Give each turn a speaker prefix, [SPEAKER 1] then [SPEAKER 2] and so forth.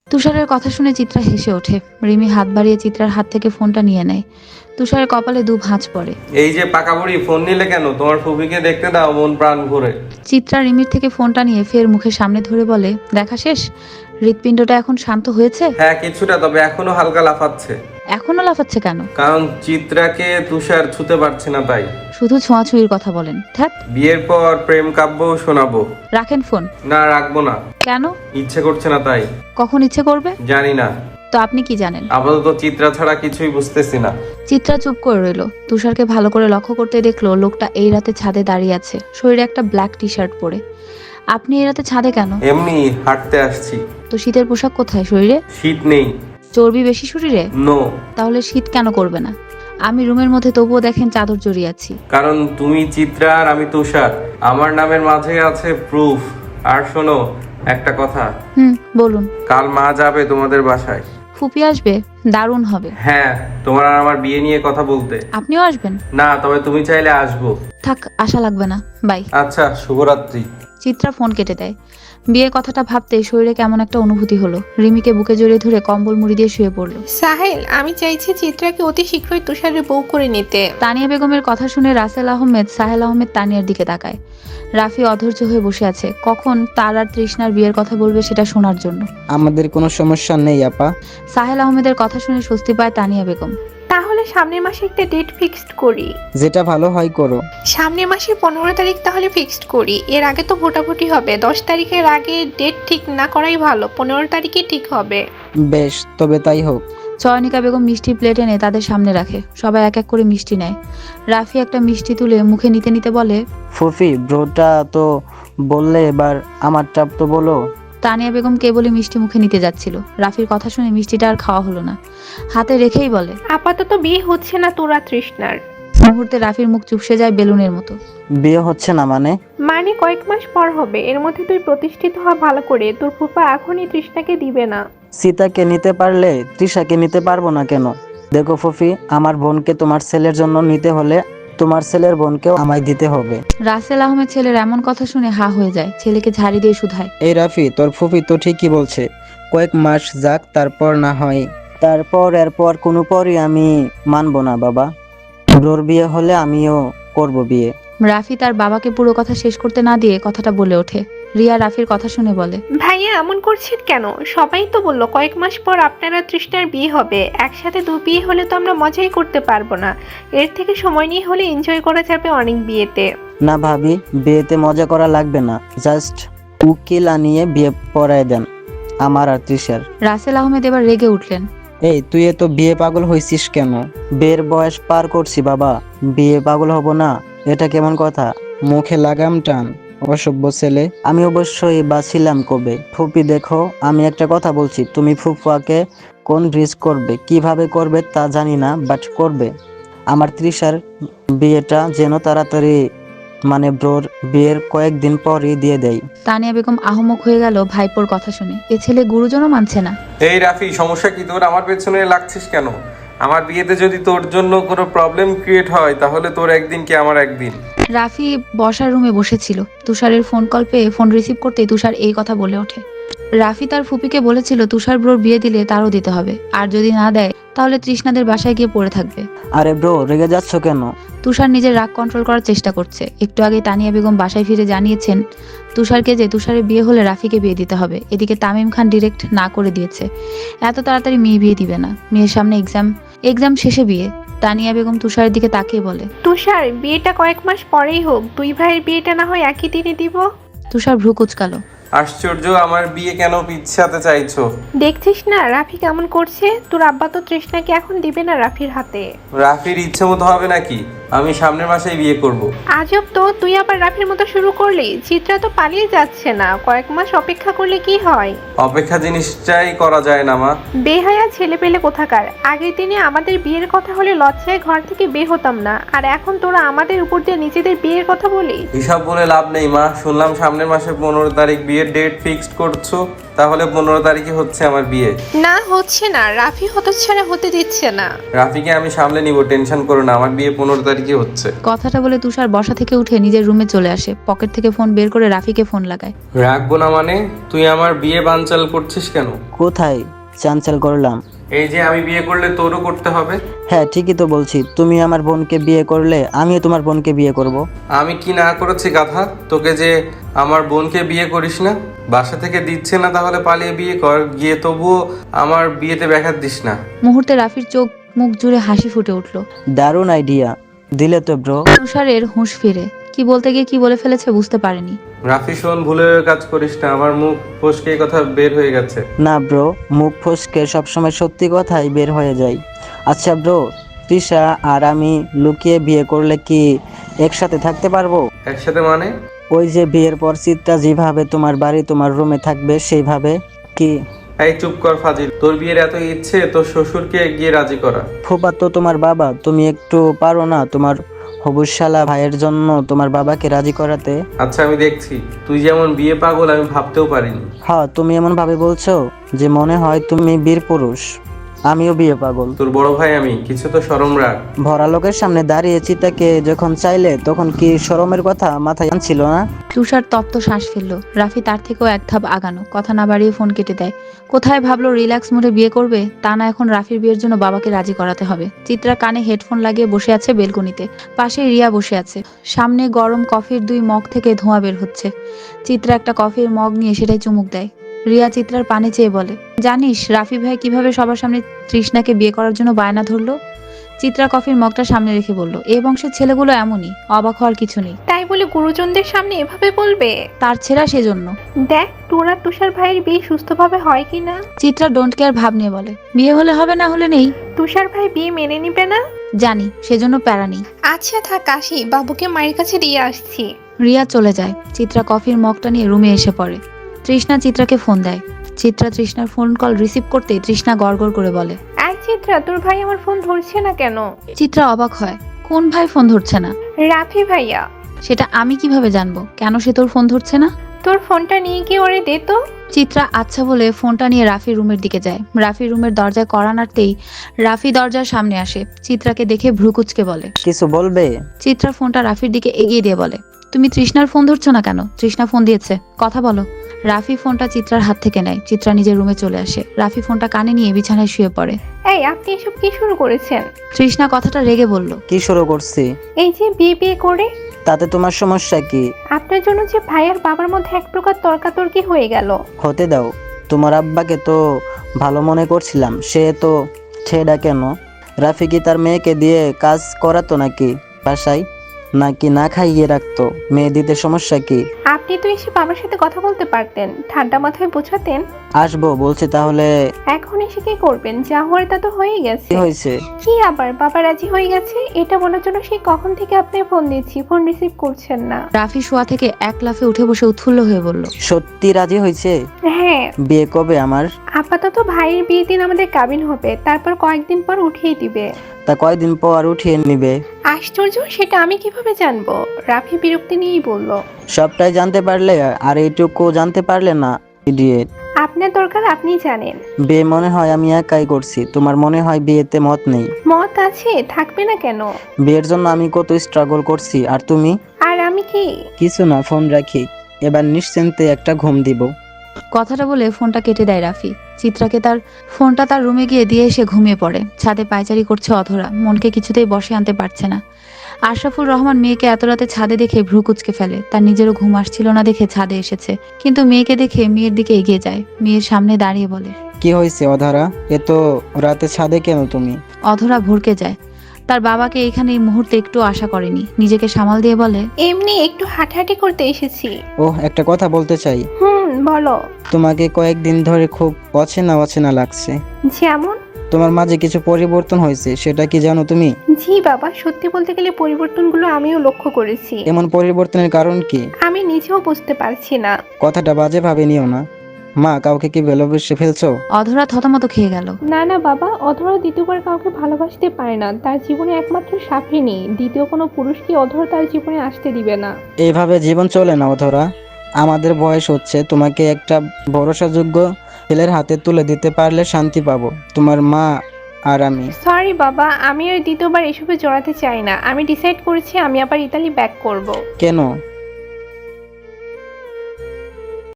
[SPEAKER 1] তুষারের কথা শুনে চিত্রা হেসে ওঠে। রিমি হাত বাড়িয়ে চিত্রার হাত থেকে ফোনটা নিয়ে নেয়। তুষারের কপালে দু ভাঁজ পড়ে।
[SPEAKER 2] এই যে পাকা বুড়ি, ফোন নিলে কেন? তোমার ফুপিকে দেখতে দাও মন প্রাণ ভরে।
[SPEAKER 1] চিত্রা রিমির থেকে ফোনটা নিয়ে ফের মুখের সামনে ধরে বলে, দেখা শেষ? হৃৎপিণ্ডটা এখন শান্ত হয়েছে?
[SPEAKER 2] হ্যাঁ কিছুটা, তবে এখনো হালকা লাফাচ্ছে।
[SPEAKER 1] এখনো লাফাচ্ছে কেন?
[SPEAKER 2] কারণ চিত্রাকে তুষার ছুতে পারছে না তাই।
[SPEAKER 1] শুধু ছোঁয়াছুঁয়ির কথা বলেন, ধ্যাত।
[SPEAKER 2] বিয়ের পর প্রেম কাব্য শোনাবো।
[SPEAKER 1] রাখেন ফোন।
[SPEAKER 2] না রাখবো না।
[SPEAKER 1] কেন?
[SPEAKER 2] ইচ্ছে করছে না তাই।
[SPEAKER 1] কখন ইচ্ছে করবে?
[SPEAKER 2] জানি না।
[SPEAKER 1] তো আপনি কি জানেন?
[SPEAKER 2] আপাতত চিত্রা ছাড়া কিছুই বুঝতেছি না।
[SPEAKER 1] চিত্রা চুপ করে রইল। তুষারকে ভালো করে লক্ষ্য করতে দেখলো লোকটা এই রাতে ছাদে দাঁড়িয়ে আছে, শরীরে একটা ব্ল্যাক টি শার্ট পরে। আপনি এই রাতে ছাদে কেন?
[SPEAKER 2] এমনি হাঁটতে আসছি।
[SPEAKER 1] তো শীতের পোশাক কোথায় শরীরে?
[SPEAKER 2] শীত নেই।
[SPEAKER 1] চর্বি বেশি শরীরে?
[SPEAKER 2] নো।
[SPEAKER 1] তাহলে শীত কেন করবে না? আমি রুমের মধ্যে তবুও দেখেন চাদর জড়িয়ে আছি।
[SPEAKER 2] কারণ তুমি চিত্রা আর আমি তুষার। আমার নামের মাঝে আছে প্রুফ। আর শোনো একটা কথা।
[SPEAKER 1] বলুন।
[SPEAKER 2] কাল মা যাবে তোমাদের বাসায়।
[SPEAKER 1] ফুপি আসবে? দারুণ হবে।
[SPEAKER 2] হ্যাঁ, তোমার আর আমার বিয়ে নিয়ে কথা বলতে।
[SPEAKER 1] আপনিও আসবেন?
[SPEAKER 2] না, তবে তুমি চাইলে আসবো।
[SPEAKER 1] থাক, আশা লাগবে না, বাই।
[SPEAKER 2] আচ্ছা, শুভরাত্রি।
[SPEAKER 1] চিত্রা ফোন কেটে দেয়। বিয়ের কথাটা ভাবতেই শরীরে কেমন একটা অনুভূতি হলো। রিমিকে বুকে জড়িয়ে ধরে কম্বল মুড়ি দিয়ে শুয়ে পড়লো।
[SPEAKER 3] সাহেল, আমি চাইছি চিত্রাকে অতি শীঘ্রই তুষারের বউ করে নিতে।
[SPEAKER 1] তানিয়া বেগমের কথা শুনে রাসেল আহমেদ, সাহেল আহমেদ তানিয়ার দিকে তাকায়। রাফি অধৈর্য হয়ে বসে আছে, কখন তার আর তৃষ্ণার বিয়ের কথা বলবে সেটা শোনার জন্য।
[SPEAKER 4] আমাদের কোনো সমস্যা নেই আপা।
[SPEAKER 1] সাহেল আহমেদের কথা শুনে স্বস্তি পায় তানিয়া বেগম।
[SPEAKER 3] তাহলে সামনের মাসে একটা ডেট ফিক্সড করি।
[SPEAKER 4] যেটা ভালো হয় করো।
[SPEAKER 3] সামনের মাসে 15 তারিখ তাহলে ফিক্সড করি। এর আগে তো ভোটাভুটি হবে। 10 তারিখের আগে ডেট ঠিক না করাই ভালো। 15 তারিখে ঠিক হবে।
[SPEAKER 4] বেশ, তবে তাই হোক।
[SPEAKER 1] চয়নিকা বেগম মিষ্টি প্লেট এনে তাদের সামনে রাখে। সবাই এক এক করে মিষ্টি নেয়। রাফি একটা মিষ্টি তুলে মুখে নিতে নিতে বলে,
[SPEAKER 4] ফুফি, ব্রোটা তো বললে, এবার আমারটা তো বলো।
[SPEAKER 1] তানিয়া বেগম কেবলই মিষ্টি মুখে নিতে যাচ্ছিল। রাফির কথা শুনে মিষ্টিটা আর খাওয়া হলো না, হাতে রেখেই বলে,
[SPEAKER 3] আপাতত বিয়ে হচ্ছে না তোরা তৃষ্ণার।
[SPEAKER 1] মুহূর্তে রাফির মুখ চুপসে যায় বেলুনের মতো।
[SPEAKER 4] বিয়ে হচ্ছে না মানে?
[SPEAKER 3] মানে কয়েক মাস পর হবে। এর মধ্যে তুই প্রতিষ্ঠিত হওয়া ভালো করে। তোর ফুপা এখনই তৃষ্ণাকে দিবে না।
[SPEAKER 4] সীতাকে নিতে পারলে তৃষাকে নিতে পারবো না কেন? দেখো ফুফি, আমার বোনকে তোমার ছেলের জন্য নিতে হলে তোমার ছেলের বোনকেও আমায় দিতে হবে।
[SPEAKER 1] রাসেল আহমেদ ছেলের এমন কথা শুনে হা হয়ে যায়। ছেলেকে ঝাড়ি দিয়ে শুধায়,
[SPEAKER 4] এই রাফি, তোর ফুফি তো ঠিকই বলছে। কয়েক মাস যাক, তারপর না হয়। এরপর কোনো পরই আমি মানবো না বাবা। ব্রোর বিয়ে হলে আমিও করব বিয়ে।
[SPEAKER 1] রাফি তার বাবাকে পুরো কথা শেষ করতে না দিয়ে কথাটা বলে ওঠে। রিয়া রাফির কথা শুনে বলে,
[SPEAKER 3] ভাইয়া এমন করছেন কেন? সবাই তো বললো কয়েক মাস পর আপনারা তৃষ্ণার বিয়ে হবে। একসাথে দু বিয়ে হলে তো আমরা মজাই করতে পারবো না। এর থেকে সময় নিয়ে হলে এনজয় করা যাবে অনেক বিয়েতে।
[SPEAKER 4] না ভাবি, বিয়েতে মজা করা লাগবে না। জাস্ট উকিল আনিয়ে বিয়ে পড়ায় দেন আমার আর তৃষার।
[SPEAKER 1] রাসেল আহমেদ এবার রেগে উঠলেন।
[SPEAKER 4] এই তুই তো বিয়ে পাগল হয়েছিস কেন? বিয়ের বয়স পার করছি বাবা, বিয়ে পাগল হব না? এটা কেমন কথা? মুখে লাগাম টান, অসভ্য ছেলে। আমি অবশ্যই বাছিলাম কবে। ফুপি দেখো, আমি একটা কথা বলছি, তুমি ফুফুয়াকে কোন রিস্ক করবে, কিভাবে করবে তা জানি না, বাট করবে। আমার তৃষার বিয়েটা যেন তাড়াতাড়ি, মানে ব্রোর বিয়ের কয়েকদিন পরই দিয়ে দেয়।
[SPEAKER 1] তানিয়া বেগম আহমক হয়ে গেল ভাইপোর কথা শুনে। এ ছেলে গুরুজনও মানছে না।
[SPEAKER 2] এই রাফি, সমস্যা কি তোর? আমার পেছনে লাগছিস কেন? আমার বিয়েতে যদি তোর জন্য কোনো প্রবলেম ক্রিয়েট হয় তাহলে তোর একদিন কি আমার একদিন।
[SPEAKER 1] রাফি বসার রুমে বসেছিল। তুষারের ফোন কল পেয়ে ফোন রিসিভ করতেই তুষার এই কথা বলে ওঠে। রাফি তার ফুপিকে বলেছিল তুষার ব্রোর বিয়ে দিলে তারও দিতে হবে, আর যদি না দেয় তাহলে তৃষ্ণাদের বাসায় গিয়ে পড়ে থাকবে।
[SPEAKER 4] আরে ব্রো, রেগে যাচ্ছ কেন?
[SPEAKER 1] তুষার নিজের রাগ কন্ট্রোল করার চেষ্টা করছে। একটু আগে তানিয়া বেগম বাসায় ফিরে জানিয়েছেন তুষারকে যে তুষারের বিয়ে হলে রাফিকে বিয়ে দিতে হবে। এদিকে তামিম খান ডিরেক্ট না করে দিয়েছে, এত তাড়াতাড়ি মেয়ে বিয়ে দিবে না। মেয়ের সামনে এক্সাম শেষে বিয়ে। তানিয়া বেগম তুষারের দিকে তাকিয়ে বলে,
[SPEAKER 3] তুষার, বিয়েটা কয়েক মাস পরেই হোক। দুই ভাইয়ের বিয়েটা না হয় একই দিনে দিব।
[SPEAKER 1] তুষার ভ্রু কুচকালো।
[SPEAKER 2] আশ্চর্য, আমার বিয়ে কেন পিছাতে চাইছো?
[SPEAKER 3] দেখছিস না রাফি কেমন করছে? তোর আব্বা তো তৃষ্ণাকে এখন দিবে না রাফির হাতে।
[SPEAKER 2] রাফির ইচ্ছে মতো হবে নাকি? আমি সামনের মাসেই বিয়ে করব।
[SPEAKER 3] আজব তো, তুই আবার রাফির মতো শুরু করলি। চিত্রা তো পালিয়ে যাচ্ছে না। কয়েক মাস অপেক্ষা করলে কি হয়?
[SPEAKER 2] অপেক্ষা জিনিসটাই করা যায় না মা।
[SPEAKER 3] বেহায়া ছেলে পেলে কোথাকার। আগের দিনে আমাদের বিয়ের কথা হলে লজ্জায় ঘর থেকে বের হতাম না, আর এখন তোরা আমাদের উপর দিয়ে নিজেদের বিয়ের কথা বলি।
[SPEAKER 2] এসব বলে লাভ নেই মা। শুনলাম সামনের মাসে 15 তারিখ বিয়ের ডেট ফিক্সড করছো। তাহলে 15 তারিখে হচ্ছে আমার বিয়ে।
[SPEAKER 3] না হচ্ছে না, রাফি হতচ্ছাড়া হতে দিচ্ছে না।
[SPEAKER 2] রাফিকে আমি সামলে নিব, টেনশন করো না, আমার বিয়ে 15 তারিখে হচ্ছে।
[SPEAKER 1] কথাটা বলে তুষার বসা থেকে উঠে নিজের রুমে চলে আসে। পকেট থেকে ফোন বের করে রাফিকে ফোন লাগায়।
[SPEAKER 2] রাখবো না মানে? তুই আমার বিয়ে বানচাল করছিস কেন?
[SPEAKER 4] কোথায় চাঞ্চল করলাম?
[SPEAKER 2] এই যে আমি বিয়ে করলে তোরও করতে হবে।
[SPEAKER 4] হ্যাঁ ঠিকই তো বলছি, তুমি আমার বোনকে বিয়ে করলে আমিও তোমার বোনকে বিয়ে করব।
[SPEAKER 2] আমি কি না করেছি গাধা তোকে যে আমার বোনকে বিয়ে করিস না? বাসা থেকে দিচ্ছে না, তাহলে পালিয়ে বিয়ে কর গিয়ে, তবুও আমার বিয়েতে ব্যাঘাত দিস না।
[SPEAKER 1] মুহূর্তে রাফির চোখ মুখ জুড়ে হাসি ফুটে উঠল।
[SPEAKER 4] দারুণ আইডিয়া দিলে তো ব্রো।
[SPEAKER 1] তুষারের হুঁশ ফিরে কি বলতে গিয়ে কি বলে ফেলেছে বুঝতে পারেনি।
[SPEAKER 2] রাফি শোন, ভুলে কাজ করিস না, আমার মুখ ফসকে এই কথা বের হয়ে গেছে।
[SPEAKER 4] না ব্রো, মুখ ফসকে সবসময় সত্যি কথাই বের হয়ে যায়। আচ্ছা ব্রো, তৃষা আর আমি লুকিয়ে বিয়ে করলে কি একসাথে থাকতে পারবো?
[SPEAKER 2] একসাথে মানে?
[SPEAKER 4] ওই যে বিয়ের পর চিত্রা যেভাবে তোমার বাড়ি তোমার রুমে থাকবে সেইভাবে কি?
[SPEAKER 2] এই চুপ কর ফাজিল, তোর বিয়ের এত ইচ্ছে তোর শ্বশুরকে গিয়ে রাজি করা।
[SPEAKER 4] ফুপা তো তোমার বাবা, তুমি একটু পারো না তোমার হবুশালা ভাইয়ের জন্য তোমার বাবাকে রাজি করাতে?
[SPEAKER 2] আচ্ছা আমি দেখছি, তুই যেমন বিয়ে পাগল আমি ভাবতেও পারিনি।
[SPEAKER 4] হ্যাঁ, তুমি এমন ভাবে বলছো যে মনে হয় তুমি বীর পুরুষ। আমিও বিয়ে পাগল।
[SPEAKER 2] তোর বড় ভাই আমি, কিছু তো শরম রাখ।
[SPEAKER 4] ভরা লোকের সামনে দাঁড়িয়ে চিতাকে যখন চাইলে তখন কি শরমের কথা মাথায় আনছিল না?
[SPEAKER 1] তুষার তপ্ত শ্বাস ফেলল। রাফি তার থেকেও এক ধাপ আগানো, কথা না বাড়িয়ে ফোন কেটে দেয়। কোথায় ভাবলো রিল্যাক্স মুডে বিয়ে করবে, তা না এখন রাফির বিয়ের জন্য বাবাকে রাজি করাতে হবে। চিত্রা কানে হেডফোন লাগিয়ে বসে আছে বেলকনিতে। পাশে রিয়া বসে আছে। সামনে গরম কফির 2 মগ থেকে ধোঁয়া বের হচ্ছে। চিত্রা একটা কফির মগ নিয়ে সেটাই চুমুক দেয়। রিয়া চিত্রার পানে চেয়ে বলে, জানিস রাফি ভাই কিভাবে সবার সামনে তৃষ্ণাকে বিয়ে করার জন্য বায়না ধরলো? চিত্রা কফির মগটা সামনে রেখে বলল, এই বংশের ছেলেগুলো এমনই, অবাক হওয়ার কিছু নেই।
[SPEAKER 3] তাই বলে গুরুজনদের সামনে এভাবে বলবে?
[SPEAKER 1] তার ছেঁড়া সেজন্য।
[SPEAKER 3] দেখ তোর আর তুষার ভাইয়ের বিয়ে সুস্থভাবে হয় কি না।
[SPEAKER 1] চিত্রা ডোন্ট কেয়ার ভাব নিয়ে বলে, বিয়ে হলে হবে, না হলে নেই।
[SPEAKER 3] তুষার ভাই বিয়ে মেনে নিবে না?
[SPEAKER 1] জানি, সেজন্য প্যারা নেই।
[SPEAKER 3] আচ্ছা থাক, আসি, বাবুকে মায়ের কাছে দিয়ে আসছি।
[SPEAKER 1] রিয়া চলে যায়। চিত্রা কফির মগটা নিয়ে রুমে এসে পড়ে। তৃষ্ণা চিত্রাকে ফোন দেয়। চিত্রা তৃষ্ণার ফোন কল রিসিভ করতেই তৃষ্ণা গড়গড় করে বলে,
[SPEAKER 3] এই চিত্রা, তোর ভাই আমার ফোন ধরছে না কেন?
[SPEAKER 1] চিত্রা অবাক হয়, কোন ভাই ফোন ধরছে না?
[SPEAKER 3] রাফি ভাইয়া।
[SPEAKER 1] সেটা আমি কিভাবে জানবো কেন সে তোর ফোন ধরছে না?
[SPEAKER 3] তোর ফোনটা নিয়ে গিয়ে ওরে দে তো।
[SPEAKER 1] চিত্রা আচ্ছা বলে ফোনটা নিয়ে রাফির রুমের দিকে যায়। রাফির রুমের দরজায় কড়া নাড়তেই রাফি দরজার সামনে আসে। চিত্রাকে দেখে ভ্রুকুচকে বলে,
[SPEAKER 4] কিছু বলবে?
[SPEAKER 1] চিত্রা ফোনটা রাফির দিকে এগিয়ে দিয়ে বলে, তুমি তৃষ্ণার ফোন ধরছো না কেন? তৃষ্ণা ফোন দিয়েছে, কথা বলো। রাফি ফোনটা চিত্রার হাত থেকে নেয়। চিত্রা নিজের রুমে চলে আসে। রাফি ফোনটা কানে নিয়ে বিছানায় শুয়ে পড়ে।
[SPEAKER 3] এই আপনি এসব কি শুরু করেছেন?
[SPEAKER 1] তৃষ্ণা কথাটা রেগে বলল,
[SPEAKER 4] কি শুরু করছি?
[SPEAKER 3] এই যে বিয়ে করে
[SPEAKER 4] তাতে তোমার সমস্যা কি?
[SPEAKER 3] আপনার জন্য যে ভাই আর বাবার মধ্যে এক প্রকার তর্কাতর্কি হয়ে গেল।
[SPEAKER 4] হতে দাও, তোমার আব্বাকে তো ভালো মনে করছিলাম, সে তো ছেড়া কেন? রাফি কি তার মেয়েকে দিয়ে কাজ করাতো নাকি বাসায়, নাকি না খাইয়ে রাখতো? মেয়ে দিতে সমস্যা কি?
[SPEAKER 3] আপনি তো এসে বাবার সাথে কথা বলতে পারতেন, ঠান্ডা মাথায় বোঝাতেন।
[SPEAKER 4] আসবো বলছি, তাহলে
[SPEAKER 3] এখন এসে কি করবেন? যা হওয়ার তা তো হয়ে গেছে।
[SPEAKER 4] কি হয়েছে?
[SPEAKER 3] কি আবার বাবা রাজি হয়ে গেছে এটা বলার জন্য সেই কখন থেকে আপনি ফোন দিচ্ছি, ফোন রিসিভ করছেন না।
[SPEAKER 1] রাফি শোয়া থেকে এক লাফে উঠে বসে উৎফুল্ল হয়ে বলল,
[SPEAKER 4] সত্যি রাজি হয়েছে?
[SPEAKER 3] হ্যাঁ,
[SPEAKER 4] বিয়ে কবে আমার?
[SPEAKER 3] আপাতত ভাইয়ের বিয়ের দিন আমাদের কাবিন হবে, তারপর কয়েকদিন পর উঠিয়ে দিবে।
[SPEAKER 4] তা কয়দিন পর উঠিয়ে নিবে?
[SPEAKER 3] আশ্চর্য, সেটা আমি কিভাবে জানবো? রাফি বিরক্তি নিয়েই বলল,
[SPEAKER 4] সবটাই জানতে পারলে আর এইটুকু জানতে পারলে না? ইডিয়েট।
[SPEAKER 3] আপনার দরকার আপনি জানেন।
[SPEAKER 4] বিয়ে মনে হয় আমি একাই করছি, তোমার মনে হয় বিয়েতে মত নেই?
[SPEAKER 3] মত আছে, থাকবে না কেন?
[SPEAKER 4] বিয়ের জন্য আমি কত স্ট্রাগল করছি, আর তুমি?
[SPEAKER 3] আর আমি কি?
[SPEAKER 4] কিছু না, ফোন রাখি, এবার নিশ্চিন্তে একটা ঘুম দিব।
[SPEAKER 1] কথাটা বলে ফোনটা কেটে দেয় রাফি। চিত্রাকে তার ফোনটা তার রুমে গিয়ে দিয়ে এসে ঘুমিয়ে পড়ে। ছাদে পায়চারি করছে অধরা, মনকে কিছুতেই বসে আনতে পারছে না। আশরাফুল রহমান মেয়েকে এত রাতে ছাদে দেখে ভ্রু কুচকে ফেলে। তার নিজেরও ঘুম আসছিল না দেখে ছাদে এসেছে, কিন্তু মেয়েকে দেখে মেয়ের দিকে এগিয়ে যায়। মেয়ের সামনে দাঁড়িয়ে বলে,
[SPEAKER 4] কি হয়েছে অধারা, এত রাতে ছাদে কেন তুমি?
[SPEAKER 1] অধরা ভরকে যায়। তার বাবাকে এখানে এই মুহূর্তে একটু আশা করেনি। নিজেকে সামাল দিয়ে বলে,
[SPEAKER 3] এমনি একটু হাঁটাহাঁটি করতে এসেছি।
[SPEAKER 4] ওহ, একটা কথা বলতে চাই।
[SPEAKER 3] বলো।
[SPEAKER 4] তোমাকে কয়েকদিন ধরে খুব অচেনা অচেনা লাগছে।
[SPEAKER 3] যেমন?
[SPEAKER 4] তোমার মাঝে কিছু পরিবর্তন হয়েছে, সেটা কি জানো তুমি?
[SPEAKER 3] জি বাবা, সত্যি বলতে গেলে পরিবর্তনগুলো আমিও লক্ষ্য করেছি।
[SPEAKER 4] এমন পরিবর্তনের কারণ কি?
[SPEAKER 3] আমি নিজেও বুঝতে পারছি না।
[SPEAKER 4] কথাটা বাজে ভাবে নিও না। মা, কাউকে কি ভালোবেসে ফেলছো?
[SPEAKER 1] অধরা থতমত খেয়ে গেল।
[SPEAKER 3] না না বাবা, অধরা দ্বিতীয়বার কাউকে ভালোবাসতে পারে না। তার জীবনে একমাত্র সাফিনী, দ্বিতীয় কোনো পুরুষকে অধরা তার জীবনে আসতে দিবে না।
[SPEAKER 4] এইভাবে জীবন চলে না অধরা। আমাদের বয়স হচ্ছে, তোমাকে একটা ভরসাযোগ্য ছেলের হাতে তুলে দিতে পারলে শান্তি পাবো, তোমার মা আর আমি।
[SPEAKER 3] সরি বাবা, আমি আর দ্বিতীয়বার এসবে জড়াতে চাই না। আমি ডিসাইড করেছি আমি আবার ইতালি ব্যাক করব।
[SPEAKER 4] কেন?